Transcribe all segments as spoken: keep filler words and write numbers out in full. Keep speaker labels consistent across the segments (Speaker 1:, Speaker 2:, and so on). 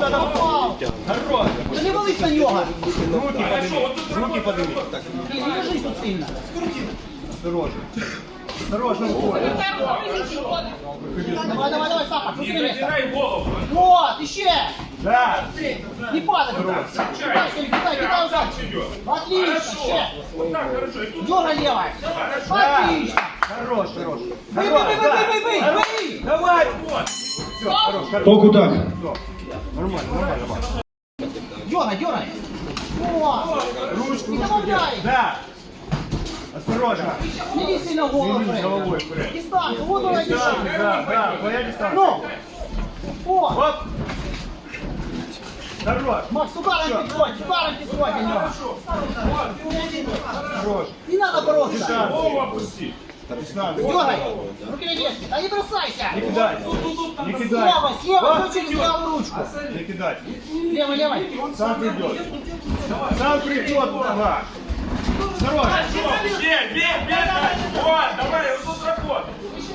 Speaker 1: Хорош.
Speaker 2: Та не вались на нього.
Speaker 1: Руки подними. Руки подними.
Speaker 2: Блін, не держись тут сильно.
Speaker 1: Осторожно. Осторожно, уходи.
Speaker 2: Давай, давай, давай, Саха, крути
Speaker 3: Не
Speaker 2: место.
Speaker 3: задирай голову.
Speaker 2: Вот, еще.
Speaker 1: Да.
Speaker 2: Не падай. Кидай, кидай, кидай назад. Отлично,
Speaker 3: Хорошо.
Speaker 2: ще.
Speaker 3: Вот так, хорошо. И тут
Speaker 2: Дергай левой.
Speaker 1: Да.
Speaker 2: Отлично.
Speaker 1: Хорош, хорош.
Speaker 2: Бей, бей, бей, бей, бей, бей, бей.
Speaker 1: Давай.
Speaker 3: вот.
Speaker 1: Все, хорош, хорош.
Speaker 4: По кутах.
Speaker 1: Нормально, нормально.
Speaker 2: Дергай, дергай. Вот.
Speaker 1: Ручку,
Speaker 2: Не
Speaker 1: ручку
Speaker 2: добавляй.
Speaker 1: делай. Да. Осторожно.
Speaker 2: Не иди сильно в голову.
Speaker 1: Не иди головой вперед.
Speaker 2: Дистанцию, вот давай
Speaker 1: Дистанция,
Speaker 2: дистанцию.
Speaker 1: да, да, твоя дистанция.
Speaker 2: Ну. О.
Speaker 1: Оп. Хорош.
Speaker 2: Макс, ударом подходь, ударом подходь на него.
Speaker 1: Хорош.
Speaker 2: Не надо бороться.
Speaker 3: Голову опусти.
Speaker 1: Дистанция.
Speaker 2: Дергай. Руки на месте. Да не бросайся.
Speaker 1: Не кидай. Не кидай.
Speaker 2: Слева, слева,
Speaker 1: Оп.
Speaker 2: все через правую ручку.
Speaker 1: Не кидай.
Speaker 2: Левой, левой.
Speaker 1: Сам придет. Сам придет, нога. Осторожно.
Speaker 3: Бей, бей, бей. Вот, давай, вот тут работай.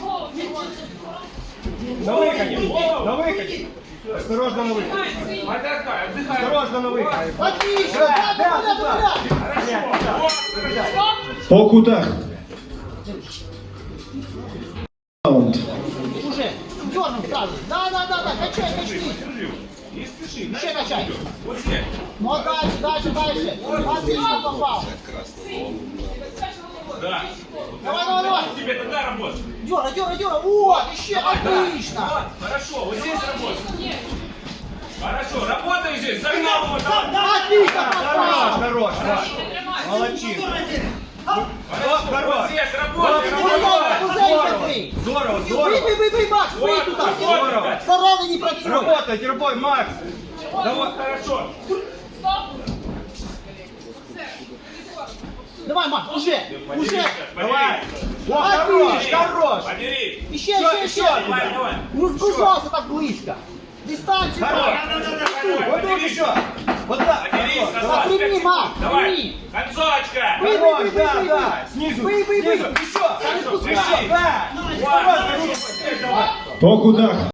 Speaker 1: На выходе. На выходе. Осторожно на выходе.
Speaker 3: Отдыхай, отдыхай.
Speaker 1: Осторожно на выходе.
Speaker 2: Отлично,
Speaker 1: Да,
Speaker 2: да,
Speaker 1: да,
Speaker 2: да, да, да.
Speaker 3: Хорошо. Вот.
Speaker 4: По кутах. Раунд.
Speaker 2: Уже, дернем сразу. Да, да, да, да, качай, качай.
Speaker 3: Держи. Не спеши.
Speaker 2: Еще качай.
Speaker 3: Вот здесь.
Speaker 2: Ну а дальше, дальше, дальше. Отлично попал.
Speaker 3: Да.
Speaker 2: Давай, давай, давай.
Speaker 3: Тебе тогда работать.
Speaker 2: Дергай, дергай, дергай. Вот, еще
Speaker 3: Да.
Speaker 2: отлично.
Speaker 3: Вот, хорошо, вот здесь работай. Хорошо, работай здесь, загнал его там.
Speaker 2: Отлично
Speaker 1: Хорош,
Speaker 2: попал.
Speaker 1: хорош, да. Молодчина.
Speaker 3: Хорошо,
Speaker 1: хорош.
Speaker 3: вот здесь работай,
Speaker 2: Кузенька,
Speaker 3: работай.
Speaker 2: кузенька ты.
Speaker 1: Здорово,
Speaker 2: Бей,
Speaker 1: здорово.
Speaker 2: бей, бей, бей, Макс, бей
Speaker 3: Вот,
Speaker 2: туда.
Speaker 3: здорово.
Speaker 2: Сараны не працюй.
Speaker 1: Работайте, работай, Макс.
Speaker 3: Давай, хорошо.
Speaker 2: Давай, Макс, уже, уже.
Speaker 1: Давай. О,
Speaker 2: Отлично.
Speaker 1: хорош, хорош.
Speaker 3: Подери.
Speaker 2: Еще,
Speaker 1: Еще,
Speaker 2: еще,
Speaker 1: еще.
Speaker 2: еще.
Speaker 3: Давай, давай.
Speaker 2: Не сгружался так близко. Дистанцию.
Speaker 1: Хорош.
Speaker 2: давай.
Speaker 1: Вот тут еще. Вот так.
Speaker 3: Подери,
Speaker 1: Хорош,
Speaker 3: назад.
Speaker 1: давай.
Speaker 2: Прими, Макс,
Speaker 3: Давай.
Speaker 2: прими.
Speaker 3: Концовочка.
Speaker 2: Бей, бей,
Speaker 1: Хорош,
Speaker 2: бей, бей,
Speaker 1: да,
Speaker 2: бей,
Speaker 1: да.
Speaker 2: бей.
Speaker 1: Снизу,
Speaker 2: Бей, бей, бей.
Speaker 1: снизу. Еще.
Speaker 2: Да не
Speaker 1: Еще,
Speaker 2: пускай.
Speaker 1: да.
Speaker 3: Вот, хорошо, вот здесь давай.
Speaker 4: По кутах.